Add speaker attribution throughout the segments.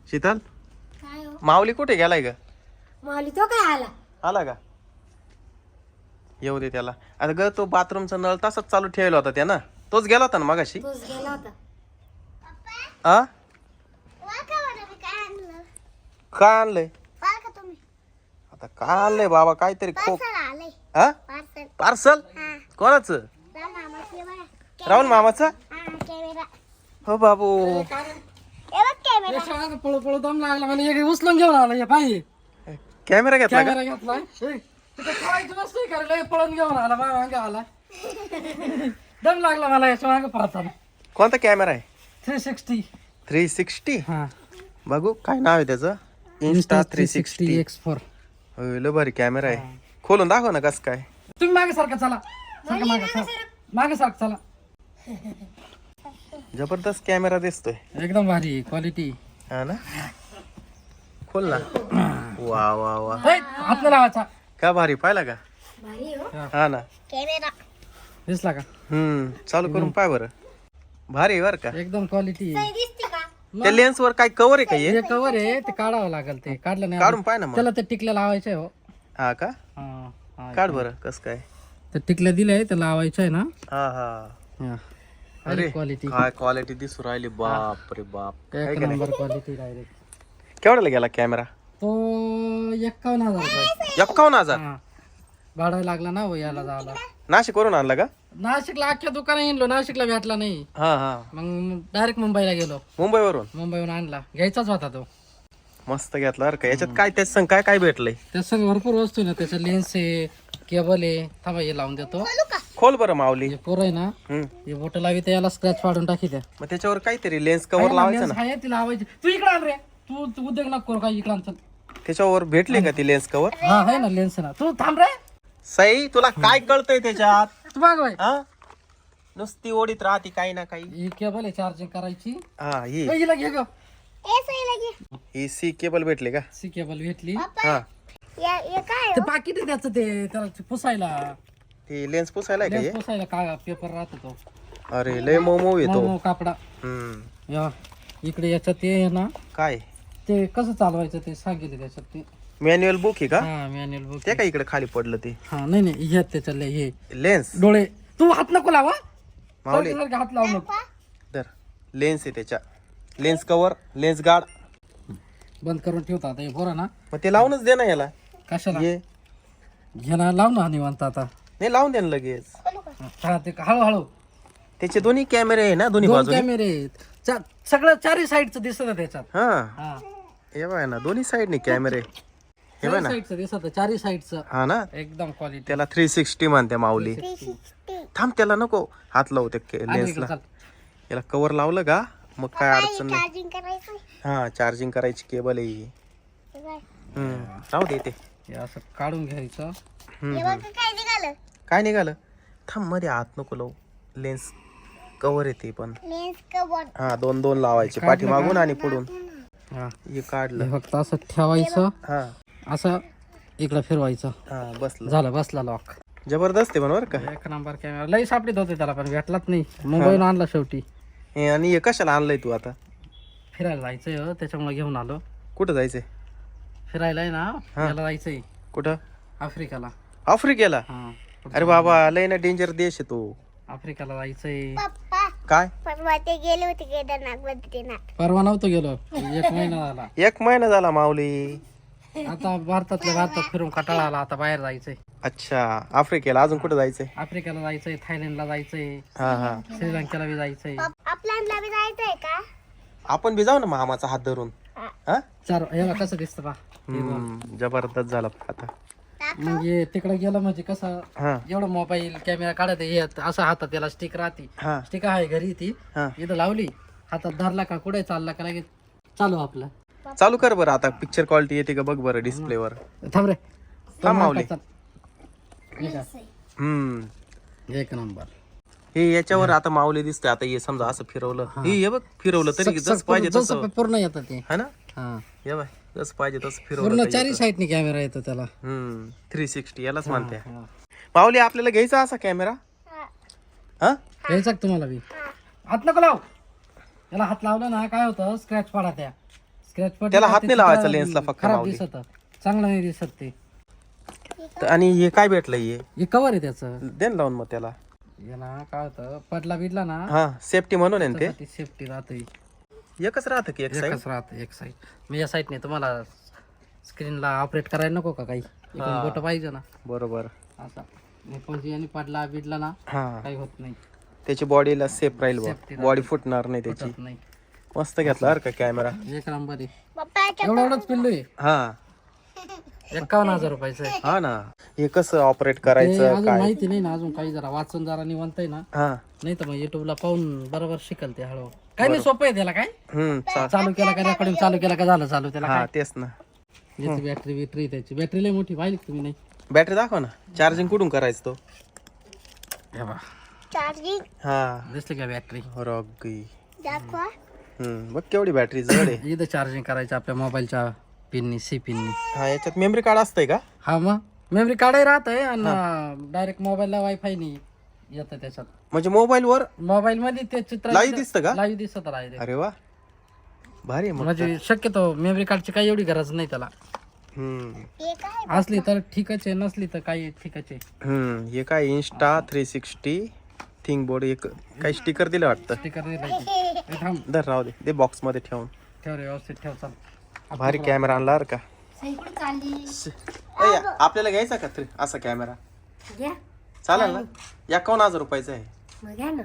Speaker 1: शीतल
Speaker 2: काय हो?
Speaker 1: माऊली कुठे गेलाय ग?
Speaker 2: माऊली तो काय आला?
Speaker 1: आला का? येऊ दे त्याला. आता ग तो बाथरूमचा नळ तसाच चालू ठेवला होता त्यानं. तोच गेला होता ना मगाशी.
Speaker 2: तोच गेला होता.
Speaker 1: आ काय आणलंय? आता काय आणलंय बाबा? काहीतरी खोक. हा पार्सल कोणाचं? राहुल मामाचं. हो बाबू.
Speaker 3: पळू पळू दम लागला मला एक उचलून घेऊन आला हे पाहिजे
Speaker 1: कॅमेरा घेतला का?
Speaker 3: कॅमेरा घेतलाय तिथे ठेवायची वस्तू आहे का रे? पळून घेऊन आला माझ्या मागे आला दम लागला मला याच्या मागे पळताना.
Speaker 1: कोणता कॅमेरा आहे?
Speaker 3: 360
Speaker 1: 360.
Speaker 3: हा
Speaker 1: बघू काय नाव आहे त्याचं? Insta 360
Speaker 3: X4.
Speaker 1: होय लय भारी कॅमेरा आहे. खोलून दाखव ना कस काय.
Speaker 3: तुम्ही मागे सारखं चला सारखं मागे मागे सारखं चला.
Speaker 1: जबरदस्त कॅमेरा दिसतोय.
Speaker 3: एकदम भारी क्वालिटी.
Speaker 1: हा ना खोल ना. वा वा वा
Speaker 3: हात नाही लावायचा.
Speaker 1: का भारी पाहिला का?
Speaker 2: भारी हो.
Speaker 1: हा ना.
Speaker 3: दिसला का?
Speaker 1: चालू करून पाय बरं. भारी आहे बर का.
Speaker 3: एकदम क्वालिटी.
Speaker 2: दिसते का?
Speaker 1: त्या लेन्स वर काय कव्हर आहे का हे?
Speaker 3: हे कवर आहे ते काढावं लागेल. ते काढलं नाही
Speaker 1: काढून पाय ना मग.
Speaker 3: त्याला ते टिकल्या लावायचे हो.
Speaker 1: हा का?
Speaker 3: हा, हा.
Speaker 1: काढ बरं कस काय.
Speaker 3: ते टिकल्या दिले ते लावायचे आहे ना.
Speaker 1: हा हा.
Speaker 3: हा.
Speaker 1: अरे
Speaker 3: क्वालिटी
Speaker 1: काय क्वालिटी दिसू राहिली. बाप रे बाप.
Speaker 3: एक नंबर क्वालिटी डायरेक्ट.
Speaker 1: केवढ्याला गेला कॅमेरा?
Speaker 3: तो 51,000 रुपये.
Speaker 1: 51,000.
Speaker 3: हा. भाडा लागला ना हो यायला जायला.
Speaker 1: नाशिक वरून आणला का?
Speaker 3: नाशिकला अख्ख्या दुकान येलो नाशिकला भेटला नाही.
Speaker 1: हा हा.
Speaker 3: मग डायरेक्ट मुंबईला गेलो.
Speaker 1: मुंबईवरून
Speaker 3: मुंबईहून आणला घ्यायचाच होता तो.
Speaker 1: मस्त घेतला बरं का. याच्यात काय त्याच संग काय काय भेटलंय?
Speaker 3: त्या सगळं भरपूर वस्तू आहे ना. त्याचं लेन्स आहे केबल आहे. थांबा हे लावून देतो.
Speaker 1: खोल बरं माऊली.
Speaker 3: हे पोरं आहे ना हे बोट लावी तर याला स्क्रॅच पाडून टाकी द्या.
Speaker 1: मग त्याच्यावर काहीतरी लेन्स कव्हर लावायचं ना.
Speaker 3: आहे ती लावायची. तू इकडे आण रे. तू उद्योग नको करू काय इकडे आण चल.
Speaker 1: त्याच्यावर भेटले का ती लेन्स कव्हर?
Speaker 3: हा आहे ना लेन्स ना. तू थांब रे.
Speaker 1: सई तुला काय कळतंय त्याच्यात?
Speaker 3: तू माग बाई.
Speaker 1: हा नुसती ओढीत राहती काही ना काही.
Speaker 3: ही केबल आहे चार्जिंग करायची.
Speaker 1: हा ही
Speaker 3: हिला घे ग.
Speaker 1: ही सी केबल भेटले का?
Speaker 3: सी केबल भेटली.
Speaker 1: हा
Speaker 3: ते पाकिट आहे त्याचं ते त्याला पुसायला
Speaker 1: ती लेन्स पुसायला का हे?
Speaker 3: लेन्स पुसायला का पेपर राहतो तो.
Speaker 1: अरे लय मोमो येतो.
Speaker 3: मऊ कापडा. या इकडे याच्यात ते आहे ना
Speaker 1: काय
Speaker 3: ते कसं चालवायचं ते सांगितलं त्याच्यात ते.
Speaker 1: मॅन्युअल बुक आहे का?
Speaker 3: हा मॅन्युअल बुक.
Speaker 1: ते काय इकडे खाली पडलं ते
Speaker 3: हा नाही नाही ह्यात त्याच्यातले हे
Speaker 1: लेन्स?
Speaker 3: डोळे. तू हात नको लावा.
Speaker 1: माऊली
Speaker 3: सारखं हात लावू नको.
Speaker 1: तर लेन्स आहे त्याच्या. लेन्स कव्हर लेन्स गार्ड
Speaker 3: बंद करून ठेवता आता हे बरं ना.
Speaker 1: मग ते लावूनच दे ना याला.
Speaker 3: कशाला
Speaker 1: ये
Speaker 3: घे ना लाव ना निवांत आता.
Speaker 1: नाही लावून दे ना लगेच.
Speaker 3: हा ते हळूहळू.
Speaker 1: त्याचे दोन्ही कॅमेरे आहे ना दोन्ही
Speaker 3: दोन
Speaker 1: बाजूने.
Speaker 3: कॅमेरे आहेत. सगळं चारही साईडचं दिसत त्याच्यात.
Speaker 1: हा
Speaker 3: हा
Speaker 1: हे बघ ना दोन्ही साईडने कॅमेरे. हे बघ ना.
Speaker 3: साईडचं दिसत चारही साईडचं
Speaker 1: हा ना
Speaker 3: एकदम क्वालिटी.
Speaker 1: त्याला 360 म्हणते माऊली. थांब त्याला नको हात लावू त्या लेन्सला. याला कव्हर लावलं का मग काय अडचण नाही. हा चार्जिंग करायची केबल आहे ही. राहू दे ते.
Speaker 3: हे असं काढून घ्यायचं.
Speaker 1: काय निघालं? थांब मध्ये हात नको लावू. लेन्स कव्हर येते पण. हा दोन दोन लावायचे पाठी मागून आणि पुढून.
Speaker 3: हा
Speaker 1: हे काढलं.
Speaker 3: हे फक्त असं ठेवायचं.
Speaker 1: हा
Speaker 3: असं इकडं फिरवायचं.
Speaker 1: हा बसलं.
Speaker 3: झालं बसला लॉक.
Speaker 1: जबरदस्त आहे बरोबर का?
Speaker 3: एक नंबर कॅमेरा. लई सापडीत होते त्याला पण भेटलाच नाही. मुंबईहून आणला शेवटी.
Speaker 1: हे आणि हे कशाला आणलंय तू आता?
Speaker 3: फिरायला जायचंय हो त्याच्यामुळे घेऊन आलो.
Speaker 1: कुठं जायचंय?
Speaker 3: फिरायला आहे ना याला जायचंय
Speaker 1: कुठं?
Speaker 3: आफ्रिकाला.
Speaker 1: आफ्रिकेला?
Speaker 3: हा
Speaker 1: अरे बाबा लय ना डेंजर देश आहे तो.
Speaker 3: आफ्रिकाला जायचंय.
Speaker 1: काय
Speaker 2: परवा ते गेले होते केदारनाथ बद्रीनाथ.
Speaker 3: परवा नव्हतो गेलो 1 महिना झाला.
Speaker 1: 1 महिना झाला माऊली.
Speaker 3: आता भारतातल्या भारतात फिरून कंटाळा आला. आता बाहेर जायचंय.
Speaker 1: अच्छा आफ्रिकेला. अजून कुठं जायचंय?
Speaker 3: आफ्रिकेला जायचंय थायलंडला जायचंय
Speaker 1: हा हा
Speaker 3: श्रीलंकेला बी जायचंय.
Speaker 2: आपल्याला बी जायचंय का?
Speaker 1: आपण बी जाऊ ना मामाचा हात धरून. हा
Speaker 3: याला कसं दिसतं बा.
Speaker 1: जबरदस्त झाला आता.
Speaker 3: म्हणजे तिकडे गेलं म्हणजे कसं
Speaker 1: हा
Speaker 3: एवढं मोबाईल कॅमेरा काढत हे असं हातात त्याला स्टिक राहते.
Speaker 1: हा
Speaker 3: स्टिक आहे घरी ती
Speaker 1: हा
Speaker 3: इथं लावली हातात धरला का कुठे चालला का लगेच चालू आपलं.
Speaker 1: चालू कर बरं आता. पिक्चर क्वालिटी येते का बघ बरं डिस्प्लेवर.
Speaker 3: थांब रे.
Speaker 1: थांब माऊली.
Speaker 3: हे का? एक नंबर.
Speaker 1: हे याच्यावर आता माऊली दिसतंय. आता हे समजा असं फिरवलं. हे बघ फिरवलं तरी जसं पाहिजे तसं.
Speaker 3: पूर्ण येतं ते.
Speaker 1: है ना?
Speaker 3: हा
Speaker 1: हे बघ जसं पाहिजे तसं फिरवलं.
Speaker 3: पूर्ण चारही साईडनी कॅमेरा येतो त्याला.
Speaker 1: 360 यालाच म्हणते. माऊली आपल्याला घ्यायचा असा कॅमेरा. हा
Speaker 3: घ्यायचा का तुम्हाला बी? हात नको लाव. याला हात लावला ना काय होतं स्क्रॅच पडा त्या. स्क्रॅच पडले
Speaker 1: त्याला
Speaker 3: ना,
Speaker 1: हात
Speaker 3: ते
Speaker 1: नाही लावायचा
Speaker 3: चित्र
Speaker 1: लेन्सला फक्त
Speaker 3: खराब
Speaker 1: माऊली.
Speaker 3: दिसत, चांगलं नाही दिसत ते.
Speaker 1: आणि हे काय भेटलं
Speaker 3: हे कवर आहे त्याचं.
Speaker 1: दे ना लावून मग त्याला.
Speaker 3: याला काय होतं, पडला बिडला ना
Speaker 1: हा सेफ्टी म्हणून आहे ना ते.
Speaker 3: त्यासाठी सेफ्टी राहते.
Speaker 1: एकच राहतं की एक साईड.
Speaker 3: एकच राहते एक साईड. मी या साईडने तुम्हाला स्क्रीनला ऑपरेट करायला नको का काही, बोट पाहिजे ना
Speaker 1: बरोबर.
Speaker 3: असा. पण याने पडला बिडला ना
Speaker 1: हा
Speaker 3: काही होत नाही,
Speaker 1: त्याची बॉडीला सेफ राहील
Speaker 3: Safety
Speaker 1: बॉडी फुटणार नाही त्याची.
Speaker 3: होत नाही.
Speaker 1: मस्त घेतला बरं का कॅमेरा.
Speaker 3: एक नंबर आहे.
Speaker 2: पप्पा
Speaker 3: एवढंच पिल्लू आहे.
Speaker 1: हा
Speaker 3: 51,000 रुपयाचं आहे.
Speaker 1: हा ना. हे कसं ऑपरेट
Speaker 3: ते
Speaker 1: करायचं
Speaker 3: अजून
Speaker 1: काय.
Speaker 3: माहिती नाही ना, अजून काही जरा वाचून जरा निवंत आहे ना,
Speaker 1: हा
Speaker 3: नाही तर मग युट्यूबला पाहून बरोबर शिकल ते हळू. काही नाही, सोपं आहे त्याला. काय
Speaker 1: चा-
Speaker 3: चालू केला का रेकॉर्डिंग चालू केला का झालं चालू. त्याला
Speaker 1: हा तेच ना.
Speaker 3: याची बॅटरी त्याची बॅटरी लय मोठी पाहिली का तुम्ही? नाही
Speaker 1: बॅटरी दाखव ना. चार्जिंग कुठून करायचं तो.
Speaker 3: हे बघा,
Speaker 2: चार्जिंग
Speaker 1: हा
Speaker 3: दिसली का बॅटरी?
Speaker 1: रॉगी.
Speaker 2: दाखवा.
Speaker 1: बघ केवढी बॅटरी जड आहे.
Speaker 3: इथं चार्जिंग करायचं आपल्या मोबाईलच्या पिननी, सी पिननी.
Speaker 1: हा याच्यात मेमरी कार्ड असतंय का.
Speaker 3: हा मग मेमरी कार्डही राहत आहे आणि डायरेक्ट मोबाईलला वायफाय नाही येतं त्याच्यात.
Speaker 1: म्हणजे मोबाईल वर
Speaker 3: मोबाईल मध्ये ते चित्र
Speaker 1: लाईव्ह दिसतं का.
Speaker 3: लाईव्ह दिसत राहिले.
Speaker 1: अरे वा भारी आहे मग.
Speaker 3: म्हणजे शक्यतो मेमरी कार्डची काही एवढी गरज नाही त्याला.
Speaker 2: हे काय
Speaker 3: असली तर ठीकच आहे, नसली तर काही ठीकच आहे.
Speaker 1: हे काय इन्स्टा 360 थिंग बोर्ड एक काही स्टिकर दिलं वाटतं.
Speaker 3: स्टिकर थांब,
Speaker 1: धर राहू दे. दे बॉक्स मध्ये ठेवून.
Speaker 3: ठेव रे, व्यवस्थित ठेव. चाल,
Speaker 1: भारी कॅमेरा आणला बरं का.
Speaker 2: सही कुठे चालली
Speaker 1: ए, आपल्याला घ्यायचा का असा कॅमेरा.
Speaker 2: घ्या
Speaker 1: चालेल ना. 51,000 रुपयाचा आहे.
Speaker 2: मग घ्या ना.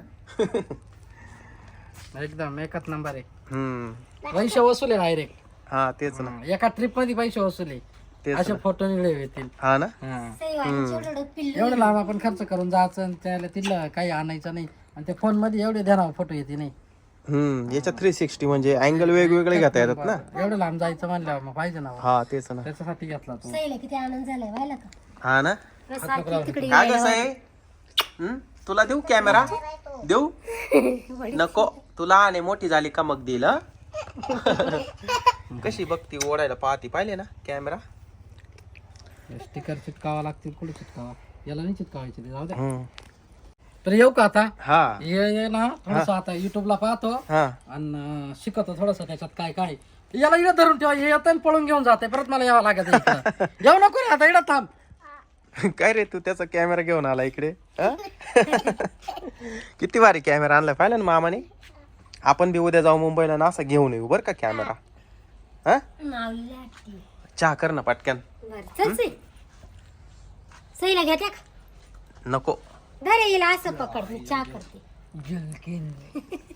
Speaker 3: एकदम एकच नंबर आहे.
Speaker 1: हम्म
Speaker 3: पैसे वसूल आहे डायरेक्ट.
Speaker 1: हा तेच ना.
Speaker 3: एका ट्रिप मध्ये पैसे वसूल आहे.
Speaker 1: तेच
Speaker 3: असे
Speaker 1: ना.
Speaker 3: फोटो निघले येतील.
Speaker 1: हा ना.
Speaker 3: हा.
Speaker 2: सही वाली छोटं पिल्लू.
Speaker 3: एवढं लांब आपण खर्च करून जायचं आणि त्याला तिथलं काही आणायचं नाही, आणि त्या फोन मध्ये एवढे ध्यानावर फोटो येते नाही.
Speaker 1: याच्यात 360 म्हणजे अँगल वेगवेगळे घेता येतात ना.
Speaker 3: एवढं लांब जायचं म्हणल्यावर मग पाहिजे ना.
Speaker 1: हा तेच ना.
Speaker 3: त्याच्यासाठी घेतला तू.
Speaker 2: सहीला किती आनंद झालाय व्हायला का.
Speaker 1: हा ना.
Speaker 2: सारखी तिकडे
Speaker 1: काय कसं आहे. तुला देऊ कॅमेरा. देऊ नको. तुला आणि मोठी झाली का मग देईल. कशी बघती ओढायला पाहती पाहिले ना कॅमेरा.
Speaker 3: स्टिकर चिटकावा लागतील. कुठे चिटकावा, याला नाही चिटकावायचे ते, जाऊ दे.
Speaker 1: हम्म.
Speaker 3: तर येऊ का आता.
Speaker 1: हा
Speaker 3: ये ना थोडस आता युट्यूबला पाहतो
Speaker 1: हा
Speaker 3: आणि शिकवतो थोडस त्याच्यात काय काय. याला इकडे धरून ठेवा, हे येतं आणि पळून घेऊन जाते, परत मला यावं लागत इकडं. येऊ नको रे आता, इकडं थांब.
Speaker 1: काय रे तू त्याचा कॅमेरा घेऊन आला इकडे. हा? किती भारी कॅमेरा आणलाय पाहिलं ना मामाने. आपण बी उद्या जाऊ मुंबईला ना असं घेऊन येऊ बरं का कॅमेरा. हा
Speaker 2: माऊलीला वाटते.
Speaker 1: चहा कर ना पटकन.
Speaker 2: बरं, चल सई. सईला घेत्या का.
Speaker 1: नको.
Speaker 2: घरी येईल असं पकड, मी चहा करते.
Speaker 3: जलकिन